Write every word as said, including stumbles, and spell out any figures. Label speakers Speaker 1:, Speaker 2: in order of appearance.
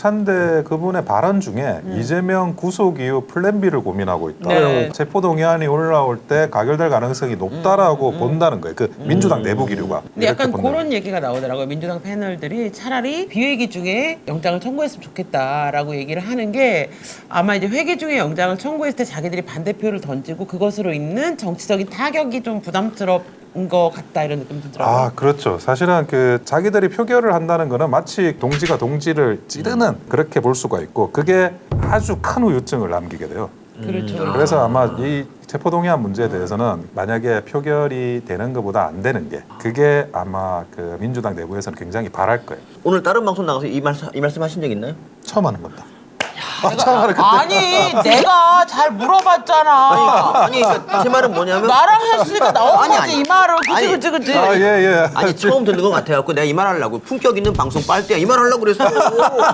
Speaker 1: 정찬대 그분의 발언 중에
Speaker 2: 음.
Speaker 1: 이재명 구속 이후 플랜 B를 고민하고 있다.
Speaker 2: 네.
Speaker 1: 체포동의안이 올라올 때 가결될 가능성이 높다라고
Speaker 2: 음, 음.
Speaker 1: 본다는 거예요. 그 민주당 내부 기류가.
Speaker 2: 근데
Speaker 1: 이렇게
Speaker 2: 약간
Speaker 1: 본다는
Speaker 2: 그런 얘기가 나오더라고요. 민주당 패널들이 차라리 비회기 중에 영장을 청구했으면 좋겠다라고 얘기를 하는 게 아마 이제 회기 중에 영장을 청구했을 때 자기들이 반대표를 던지고 그것으로 있는 정치적인 타격이 좀 부담스러운 것 같다 이런 느낌 들더라고요.
Speaker 1: 아, 그렇죠. 사실은 그 자기들이 표결을 한다는 거는 마치 동지가 동지를 찌르는 그렇게 볼 수가 있고 그게 아주 큰 후유증을 남기게 돼요.
Speaker 2: 그렇죠. 그렇죠.
Speaker 1: 그래서 아마 이 체포동의안 문제에 대해서는 만약에 표결이 되는 것보다 안 되는 게 그게 아마 그 민주당 내부에서는 굉장히 바랄 거예요.
Speaker 3: 오늘 다른 방송 나가서 이 말씀 이 말씀 하신 적 있나요?
Speaker 1: 처음 하는 겁니다.
Speaker 2: 아니 내가 잘 물어봤잖아.
Speaker 3: 아니, 그러니까 제 말은 뭐냐면
Speaker 2: 나랑 했으니까 나온
Speaker 3: 아니,
Speaker 2: 거지
Speaker 3: 아니.
Speaker 2: 이 말은. 그치
Speaker 3: 아니.
Speaker 2: 그치 그치.
Speaker 1: 아, 예, 예.
Speaker 3: 아니 처음 듣는 것 같아갖고 내가 이 말 하려고 품격 있는 방송 빨대야 이 말 하려고 그랬어.